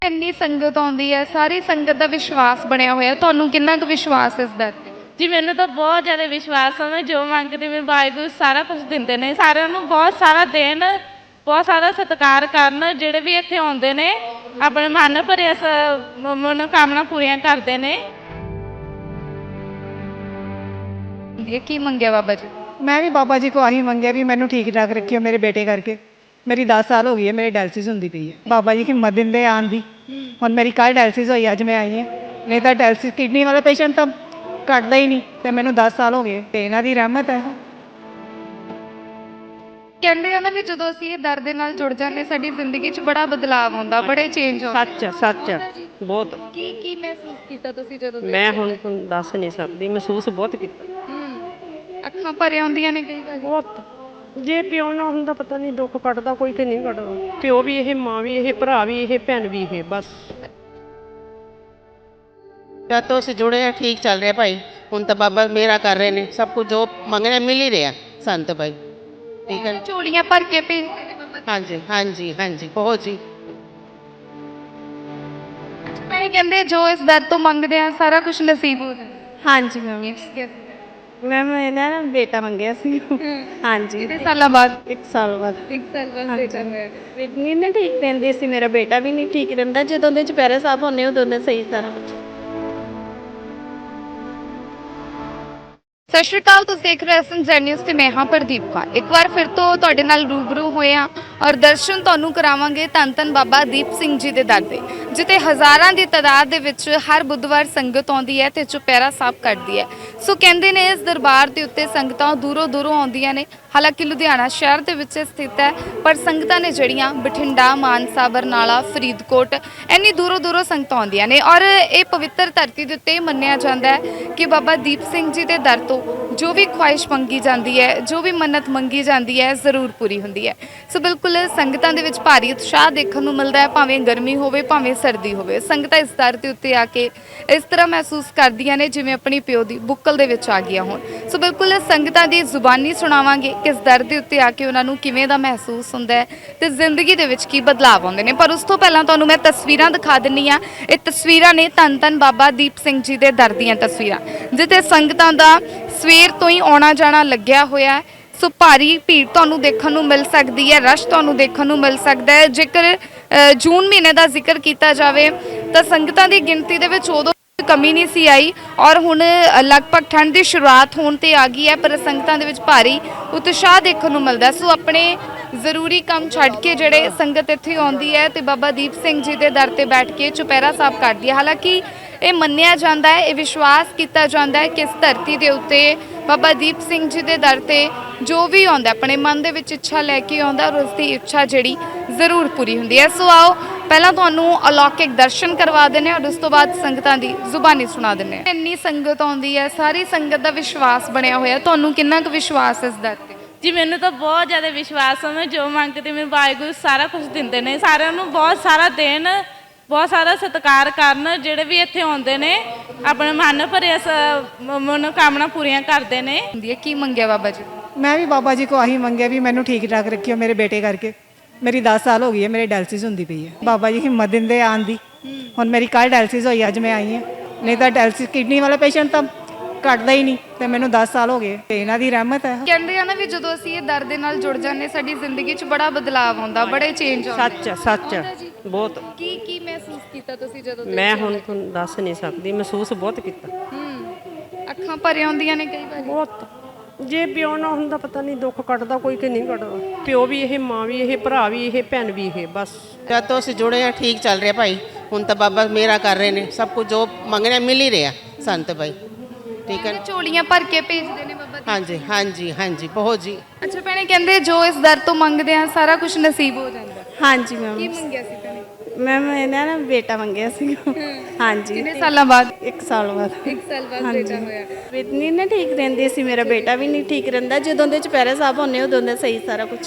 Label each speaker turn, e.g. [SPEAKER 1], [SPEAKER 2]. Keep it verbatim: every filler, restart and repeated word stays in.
[SPEAKER 1] ਇੰਨੀ ਸੰਗਤ ਆਉਂਦੀ ਹੈ, ਸਾਰੀ ਸੰਗਤ ਦਾ ਵਿਸ਼ਵਾਸ ਬਣਿਆ ਹੋਇਆ। ਤੁਹਾਨੂੰ ਕਿੰਨਾ ਕੁ ਵਿਸ਼ਵਾਸ ਇਸ ਦਾ ਤੇ?
[SPEAKER 2] ਜੀ ਮੈਨੂੰ ਤਾਂ ਬਹੁਤ ਜ਼ਿਆਦਾ ਵਿਸ਼ਵਾਸ ਆ। ਮੈਂ ਜੋ ਮੰਗਦੀ ਮੈਂ ਵਾਹਿਗੁਰੂ ਸਾਰਾ ਕੁਝ ਦਿੰਦੇ ਨੇ। ਸਾਰਿਆਂ ਨੂੰ ਬਹੁਤ ਸਾਰਾ ਦੇਣ, ਬਹੁਤ ਸਾਰਾ ਸਤਿਕਾਰ ਕਰਨ। ਜਿਹੜੇ ਵੀ ਇੱਥੇ ਆਉਂਦੇ ਨੇ ਆਪਣੇ ਮਨ ਭਰੇ ਮਨੋਕਾਮਨਾ ਪੂਰੀਆਂ ਕਰਦੇ ਨੇ।
[SPEAKER 1] ਇਹ ਕੀ ਮੰਗਿਆ ਬਾਬਾ ਜੀ?
[SPEAKER 3] ਮੈਂ ਵੀ ਬਾਬਾ ਜੀ ਕੋ ਆਹੀ ਮੰਗਿਆ ਵੀ ਮੈਨੂੰ ਠੀਕ ਠਾਕ ਰੱਖਿਓ ਮੇਰੇ ਬੇਟੇ ਕਰਕੇ। ਮੇਰੀ ਦਸ ਸਾਲ ਹੋ ਗਈ ਹੈ, ਮੇਰੀ ਡਾਇਲਸਿਸ ਹੁੰਦੀ ਪਈ ਹੈ। ਬਾਬਾ ਜੀ ਹਿੰਮਤ ਦਿੰਦੇ ਆਉਣ ਦੀ। ਹੁਣ ਮੇਰੀ ਕੱਲ੍ਹ ਡਾਇਲਸਿਸ ਹੋਈ, ਅੱਜ ਮੈਂ ਆਈ ਹਾਂ। ਨਹੀਂ ਤਾਂ ਡਾਇਲਸਿਸ ਕਿਡਨੀ ਵਾਲੇ ਪੇਸ਼ੈਂਟ ਤਾਂ ਘੱਟਦਾ ਹੀ ਨਹੀਂ, ਅਤੇ ਮੈਨੂੰ ਦਸ ਸਾਲ ਹੋ ਗਏ ਅਤੇ ਇਹਨਾਂ ਦੀ ਰਹਿਮਤ ਹੈ।
[SPEAKER 1] ਕਹਿੰਦੇ ਆ ਨਾ ਵੀ ਜਦੋਂ ਅਸੀਂ ਇਹ ਦਰ ਦੇ ਨਾਲ ਜੁੜ ਜਾਂਦੇ ਸਾਡੀ ਜ਼ਿੰਦਗੀ 'ਚ ਬੜਾ ਬਦਲਾਵ ਆਉਂਦਾ, ਬੜੇ ਚੇਂਜ ਆਉਂਦੇ।
[SPEAKER 4] ਸੱਚ ਆ, ਸੱਚ ਆ, ਬਹੁਤ।
[SPEAKER 1] ਕੀ ਕੀ ਮਹਿਸੂਸ ਕੀਤਾ ਤੁਸੀਂ ਜਦੋਂ
[SPEAKER 4] ਮੈਂ ਹੁਣ ਤੁਹਾਨੂੰ ਦੱਸ ਨਹੀਂ ਸਕਦੀ, ਮਹਿਸੂਸ ਬਹੁਤ ਕੀਤਾ।
[SPEAKER 1] ਹੂੰ, ਅੱਖਾਂ ਭਰ ਆਉਂਦੀਆਂ ਨੇ ਕਈ ਵਾਰ।
[SPEAKER 4] ਬਹੁਤ। ਜੇ ਪਿਓ ਨਾ ਹੁੰਦਾ ਪਤਾ ਨਹੀਂ ਦੁੱਖ ਕੱਟਦਾ ਕੋਈ ਕਿ ਨਹੀਂ ਕੱਟਦਾ। ਪਿਓ ਵੀ ਇਹ, ਮਾਂ ਵੀ ਇਹ, ਭਰਾ ਵੀ ਇਹ, ਭੈਣ ਵੀ ਇਹ, ਬਸ।
[SPEAKER 5] ਜਦ ਤੋਂ ਅਸੀਂ ਜੁੜੇ ਹਾਂ ਠੀਕ ਚੱਲ ਰਿਹਾ ਭਾਈ। ਹੁਣ ਤਾਂ ਬਾਬਾ ਮੇਰਾ ਕਰ ਰਹੇ ਨੇ, ਸਭ ਕੁਝ ਜੋ ਮੰਗਣਾ ਮਿਲ ਹੀ ਰਿਹਾ ਸਾਨੂੰ ਤਾਂ ਭਾਈ। ਠੀਕ ਹੈ।
[SPEAKER 1] ਝੋਲੀਆਂ ਭਰ ਕੇ ਭੇਜਦੇ ਨੇ ਬਾਬਾ ਜੀ।
[SPEAKER 5] ਹਾਂਜੀ ਹਾਂਜੀ ਹਾਂਜੀ, ਬਹੁਤ ਜੀ।
[SPEAKER 1] ਮੈਂ ਕਹਿੰਦੇ ਜੋ ਇਸ ਦਰ ਤੋਂ ਮੰਗਦੇ ਆ ਸਾਰਾ ਕੁਝ ਨਸੀਬ ਹੋ ਜਾਂਦਾ।
[SPEAKER 6] ਹਾਂਜੀ ਮੈਮ, ਮੈਮ ਇਹਨਾਂ ਨੇ ਬੇਟਾ ਮੰਗਿਆ ਸੀ। ਹਾਂਜੀ,
[SPEAKER 1] ਕਿੰਨੇ ਸਾਲਾਂ ਬਾਅਦ?
[SPEAKER 6] ਇੱਕ ਸਾਲ ਬਾਅਦ।
[SPEAKER 1] ਇੱਕ ਸਾਲ ਬਾਅਦ ਬੇਟਾ ਹੋਇਆ।
[SPEAKER 6] ਨਹੀਂ ਨਾ ਠੀਕ ਰਹਿੰਦੀ ਸੀ, ਮੇਰਾ ਬੇਟਾ ਵੀ ਨਹੀਂ ਠੀਕ ਰਹਿੰਦਾ। ਜਦੋਂ ਦੇ ਚੁਪਹਿਰੇ ਸਾਹਿਬ ਹੁੰਦੇ ਉਦੋਂ ਦੇ ਸਹੀ ਸਾਰਾ ਕੁਝ।
[SPEAKER 1] ਸਤਿ ਸ਼੍ਰੀ ਅਕਾਲ, ਤੁਸੀਂ ਦੇਖ ਰਹੇ ਹੋ ਜੈ ਨਿਊਜ਼ ਤੇ ਮੈਂ ਹਾਂ ਪ੍ਰਦੀਪ ਕੌਰ। ਇੱਕ ਵਾਰ ਫਿਰ ਤੋਂ ਤੁਹਾਡੇ ਨਾਲ ਰੂਬਰੂ ਹੋਏ ਹਾਂ ਔਰ ਦਰਸ਼ਨ ਤੁਹਾਨੂੰ ਕਰਾਵਾਂਗੇ ਧੰਨ ਧੰਨ ਬਾਬਾ ਦੀਪ ਸਿੰਘ ਜੀ ਦੇ ਦਰ ਦੇ, ਜਿੱਥੇ ਹਜ਼ਾਰਾਂ ਦੀ ਤਾਦਾਦ ਦੇ ਵਿੱਚ ਹਰ ਬੁੱਧਵਾਰ ਸੰਗਤ ਆਉਂਦੀ ਹੈ ਤੇ ਚੁਪਹਿਰਾ ਸਾਹਿਬ ਕੱਢਦੀ ਹੈ। ਸੋ ਕਹਿੰਦੇ ਨੇ ਇਸ ਦਰਬਾਰ ਦੇ ਉੱਤੇ ਸੰਗਤਾਂ ਦੂਰੋਂ ਦੂਰੋਂ ਆਉਂਦੀਆਂ ਨੇ। ਹਾਲਾਂਕਿ ਲੁਧਿਆਣਾ ਸ਼ਹਿਰ ਦੇ ਵਿੱਚ ਸਥਿਤ ਹੈ, ਪਰ ਸੰਗਤਾਂ ਨੇ ਜਿਹੜੀਆਂ ਬਠਿੰਡਾ, ਮਾਨਸਾ, ਬਰਨਾਲਾ, ਫਰੀਦਕੋਟ ਇੰਨੀ ਦੂਰੋਂ ਦੂਰੋਂ ਸੰਗਤਾਂ ਆਉਂਦੀਆਂ ਨੇ। ਔਰ ਇਹ ਪਵਿੱਤਰ ਧਰਤੀ ਦੇ ਉੱਤੇ ਮੰਨਿਆ ਜਾਂਦਾ ਹੈ ਕਿ ਬਾਬਾ ਦੀਪ ਸਿੰਘ ਜੀ ਦੇ ਦਰ ਤੋਂ ਜੋ ਵੀ ਖੁਆਇਸ਼ ਮੰਗੀ ਜਾਂਦੀ ਹੈ, ਜੋ ਵੀ ਮੰਨਤ ਮੰਗੀ ਜਾਂਦੀ ਹੈ, ਜ਼ਰੂਰ ਪੂਰੀ ਹੁੰਦੀ ਹੈ। ਸੋ ਬਿਲਕੁਲ ਸੰਗਤਾਂ ਦੇ ਵਿੱਚ ਭਾਰੀ ਉਤਸ਼ਾਹ ਦੇਖਣ ਨੂੰ ਮਿਲਦਾ ਹੈ, ਭਾਵੇਂ ਗਰਮੀ ਹੋਵੇ ਭਾਵੇਂ ਸਰਦੀ ਹੋਵੇ। ਸੰਗਤਾਂ ਇਸ ਦਰ ਦੇ ਉੱਤੇ ਆ ਕੇ ਇਸ ਤਰ੍ਹਾਂ ਮਹਿਸੂਸ ਕਰਦੀਆਂ ਨੇ ਜਿਵੇਂ ਆਪਣੀ ਪਿਓ ਦੀ ਬੁੱਕਲ ਦੇ ਵਿੱਚ ਆ ਗਈਆਂ ਹੋਣ। ਸੋ ਬਿਲਕੁਲ ਸੰਗਤਾਂ ਦੀ ਜ਼ੁਬਾਨੀ ਸੁਣਾਵਾਂਗੇ ਕਿਸ ਦਰ ਦੇ ਉੱਤੇ ਆ ਕੇ ਉਹਨਾਂ ਨੂੰ ਕਿਵੇਂ ਦਾ ਮਹਿਸੂਸ ਹੁੰਦਾ ਹੈ ਤੇ ਜ਼ਿੰਦਗੀ ਦੇ ਵਿੱਚ ਕੀ ਬਦਲਾਅ ਆਉਂਦੇ ਨੇ। ਪਰ ਉਸ ਤੋਂ ਪਹਿਲਾਂ ਤੁਹਾਨੂੰ ਮੈਂ ਤਸਵੀਰਾਂ ਦਿਖਾ ਦਿੰਨੀ ਆ। ਇਹ ਤਸਵੀਰਾਂ ਨੇ ਧੰਨ ਧੰਨ ਬਾਬਾ ਦੀਪ ਸਿੰਘ ਜੀ ਦੇ ਦਰ ਦੀਆਂ ਤਸਵੀਰਾਂ, ਜਿੱਥੇ ਸੰਗਤਾਂ ਦਾ ਸਵੇਰ ਤੋਂ ਹੀ ਆਉਣਾ ਜਾਣਾ ਲੱਗਿਆ ਹੋਇਆ ਹੈ। ਸੋ ਭਾਰੀ ਭੀੜ ਤੁਹਾਨੂੰ ਦੇਖਣ ਨੂੰ ਮਿਲ ਸਕਦੀ ਹੈ, ਰਸ਼ ਤੁਹਾਨੂੰ ਦੇਖਣ ਨੂੰ ਮਿਲ ਸਕਦਾ ਹੈ। ਜੇਕਰ ਜੂਨ ਮਹੀਨੇ ਦਾ ਜ਼ਿਕਰ ਕੀਤਾ ਜਾਵੇ ਤਾਂ ਸੰਗਤਾਂ ਦੀ ਗਿਣਤੀ ਦੇ ਵਿੱਚ ਉਦੋਂ ਕਮੀ ਨਹੀਂ ਸੀ ਆਈ ਔਰ ਹੁਣ ਲਗਭਗ ਠੰਡ ਦੀ ਸ਼ੁਰੂਆਤ ਹੋਣ ਤੇ ਆ ਗਈ ਹੈ, ਪਰ ਸੰਗਤਾਂ ਦੇ ਵਿੱਚ ਭਾਰੀ ਉਤਸ਼ਾਹ ਦੇਖਣ ਨੂੰ ਮਿਲਦਾ। ਸੋ ਆਪਣੇ ਜ਼ਰੂਰੀ ਕੰਮ ਛੱਡ ਕੇ ਜਿਹੜੇ ਸੰਗਤ ਇੱਥੇ ਆਉਂਦੀ ਹੈ ਤੇ ਬਾਬਾ ਦੀਪ ਸਿੰਘ ਜੀ ਦੇ ਦਰ ਤੇ ਬੈਠ ਕੇ ਚੁਪਹਿਰਾ ਸਾਹਿਬ ਕਰਦੀ ਹੈ। ਹਾਲਾਂਕਿ ਇਹ ਮੰਨਿਆ ਜਾਂਦਾ ਹੈ, ਇਹ ਵਿਸ਼ਵਾਸ ਕੀਤਾ ਜਾਂਦਾ ਹੈ ਕਿ ਇਸ ਧਰਤੀ ਦੇ ਉੱਤੇ ਬਾਬਾ ਦੀਪ ਸਿੰਘ ਜੀ ਦੇ ਦਰ ਤੇ ਜੋ ਵੀ ਆਉਂਦਾ ਆਪਣੇ ਮਨ ਦੇ ਵਿੱਚ ਇੱਛਾ ਲੈ ਕੇ ਆਉਂਦਾ ਔਰ ਉਸ ਦੀ ਇੱਛਾ ਜਿਹੜੀ ਜ਼ਰੂਰ ਪੂਰੀ ਹੁੰਦੀ ਹੈ। ਸੋ ਆਓ ਪਹਿਲਾਂ ਤੁਹਾਨੂੰ ਅਲੌਕਿਕ ਦਰਸ਼ਨ ਕਰਵਾ ਦਿੰਦੇ ਔਰ ਉਸ ਤੋਂ ਬਾਅਦ ਸੰਗਤਾਂ ਦੀ ਜ਼ੁਬਾਨੀ ਸੁਣਾ ਦਿੰਦੇ। ਇੰਨੀ ਸੰਗਤ ਆਉਂਦੀ ਹੈ, ਸਾਰੀ ਸੰਗਤ ਦਾ ਵਿਸ਼ਵਾਸ ਬਣਿਆ ਹੋਇਆ। ਤੁਹਾਨੂੰ ਕਿੰਨਾ ਕੁ ਵਿਸ਼ਵਾਸ ਇਸ ਦਰ ਤੇ?
[SPEAKER 2] ਜੀ ਮੈਨੂੰ ਤਾਂ ਬਹੁਤ ਜ਼ਿਆਦਾ ਵਿਸ਼ਵਾਸ ਆ। ਮੈਂ ਜੋ ਮੰਗਦੀ ਮੈਂ ਵਾਹਿਗੁਰੂ ਸਾਰਾ ਕੁਝ ਦਿੰਦੇ ਨੇ। ਸਾਰਿਆਂ ਨੂੰ ਬਹੁਤ ਸਾਰਾ ਦੇਣ, ਬਹੁਤ ਸਾਰਾ ਸਤਿਕਾਰ ਕਰਨ। ਜਿਹੜੇ ਵੀ ਇੱਥੇ ਆਉਂਦੇ ਨੇ ਆਪਣੇ ਮਨ ਭਰੇ ਮਨੋਕਾਮਨਾ ਪੂਰੀਆਂ ਕਰਦੇ ਨੇ।
[SPEAKER 1] ਕੀ ਮੰਗਿਆ ਬਾਬਾ ਜੀ?
[SPEAKER 3] ਮੈਂ ਵੀ ਬਾਬਾ ਜੀ ਕੋ ਆਹੀ ਮੰਗਿਆ ਵੀ ਮੈਨੂੰ ਠੀਕ ਠਾਕ ਰੱਖਿਓ ਮੇਰੇ ਬੇਟੇ ਕਰਕੇ। ਮੇਰੀ ਦਸ ਸਾਲ ਹੋ ਗਈ ਹੈ, ਮੇਰੀ ਡਾਇਲਸਿਸ ਹੁੰਦੀ ਪਈ ਹੈ। ਬਾਬਾ ਜੀ ਹਿੰਮਤ ਦਿੰਦੇ ਆਉਣ ਦੀ। ਹੁਣ ਮੇਰੀ ਕੱਲ੍ਹ ਡਾਇਲਸਿਸ ਹੋਈ, ਅੱਜ ਮੈਂ ਆਈ ਹਾਂ। ਨਹੀਂ ਤਾਂ ਡਾਇਲਸਿਸ ਕਿਡਨੀ ਵਾਲੇ ਪੇਸ਼ੈਂਟ ਤਾਂ ਘੱਟਦਾ ਹੀ ਨਹੀਂ, ਅਤੇ ਮੈਨੂੰ ਦਸ ਸਾਲ ਹੋ ਗਏ ਅਤੇ ਇਹਨਾਂ ਦੀ ਰਹਿਮਤ ਹੈ।
[SPEAKER 1] ਕਹਿੰਦੇ ਆ ਨਾ ਵੀ ਜਦੋਂ ਅਸੀਂ ਇਹ ਦਰ ਦੇ ਨਾਲ ਜੁੜ ਜਾਂਦੇ ਸਾਡੀ ਜ਼ਿੰਦਗੀ 'ਚ ਬੜਾ ਬਦਲਾਅ ਆਉਂਦਾ, ਬੜੇ ਚੇਂਜ ਆਉਂਦੇ।
[SPEAKER 4] ਸੱਚ ਆ, ਸੱਚ ਆ, ਬਹੁਤ।
[SPEAKER 1] ਕੀ ਕੀ ਮਹਿਸੂਸ ਕੀਤਾ ਤੁਸੀਂ ਜਦੋਂ?
[SPEAKER 4] ਮੈਂ ਹੁਣ ਤੁਹਾਨੂੰ ਦੱਸ ਨਹੀਂ ਸਕਦੀ, ਮਹਿਸੂਸ ਬਹੁਤ ਕੀਤਾ।
[SPEAKER 1] ਹੂੰ, ਅੱਖਾਂ ਭਰ ਆਉਂਦੀਆਂ ਨੇ ਕਈ ਵਾਰ।
[SPEAKER 4] ਬਹੁਤ। ਜੇ ਪਿਓ ਨਾ ਹੁੰਦਾ ਪਤਾ ਨਹੀਂ ਦੁੱਖ ਕੱਟਦਾ ਕੋਈ ਕਿ ਨਹੀਂ ਕੱਟਦਾ। ਪਿਓ ਵੀ ਇਹ, ਮਾਂ ਵੀ ਇਹ, ਭਰਾ ਵੀ ਇਹ, ਭੈਣ ਵੀ ਇਹ, ਬਸ।
[SPEAKER 5] ਜਦ ਤੋਂ ਅਸੀਂ ਜੁੜੇ ਹਾਂ ਠੀਕ ਚੱਲ ਰਿਹਾ ਭਾਈ। ਹੁਣ ਤਾਂ ਬਾਬਾ ਮੇਰਾ ਕਰ ਰਹੇ ਨੇ, ਸਭ ਕੁਝ ਜੋ ਮੰਗਣਾ ਮਿਲ ਹੀ ਰਿਹਾ ਸਾਨੂੰ ਤਾਂ ਭਾਈ। ਠੀਕ ਹੈ।
[SPEAKER 1] ਝੋਲੀਆਂ ਭਰ ਕੇ ਭੇਜਦੇ ਨੇ ਬਾਬਾ ਜੀ।
[SPEAKER 5] ਹਾਂਜੀ ਹਾਂਜੀ ਹਾਂਜੀ, ਬਹੁਤ ਜੀ।
[SPEAKER 1] ਅੱਛਾ ਭੈਣੇ, ਕਹਿੰਦੇ ਜੋ ਇਸ ਦਰ ਤੋਂ ਮੰਗਦੇ ਆ ਸਾਰਾ ਕੁਝ ਨਸੀਬ ਹੋ ਜਾਂਦਾ।
[SPEAKER 6] ਹਾਂਜੀ
[SPEAKER 1] ਕੀ
[SPEAKER 6] ਮੈਮ,
[SPEAKER 1] ਮੰਗਿਆ ਸੀ ਭੈਣੇ?
[SPEAKER 6] ਮੈਮ ਇਹਨਾਂ ਨੇ ਬੇਟਾ ਮੰਗਿਆ ਸੀ। ਹਾਂਜੀ,
[SPEAKER 1] ਕਿੰਨੇ ਸਾਲਾਂ ਬਾਅਦ?
[SPEAKER 6] ਇੱਕ ਸਾਲ ਬਾਅਦ।
[SPEAKER 1] ਇੱਕ ਸਾਲ ਬਾਅਦ ਬੇਟਾ ਹੋਇਆ।
[SPEAKER 6] ਨਹੀਂ ਨਾ ਠੀਕ ਰਹਿੰਦੀ ਸੀ, ਮੇਰਾ ਬੇਟਾ ਵੀ ਨਹੀਂ ਠੀਕ ਰਹਿੰਦਾ। ਜਦੋਂ ਦੇ ਚੁਪਹਿਰੇ ਸਾਹਿਬ ਹੁੰਦੇ ਉਦੋਂ ਦੇ ਸਹੀ ਸਾਰਾ ਕੁਝ।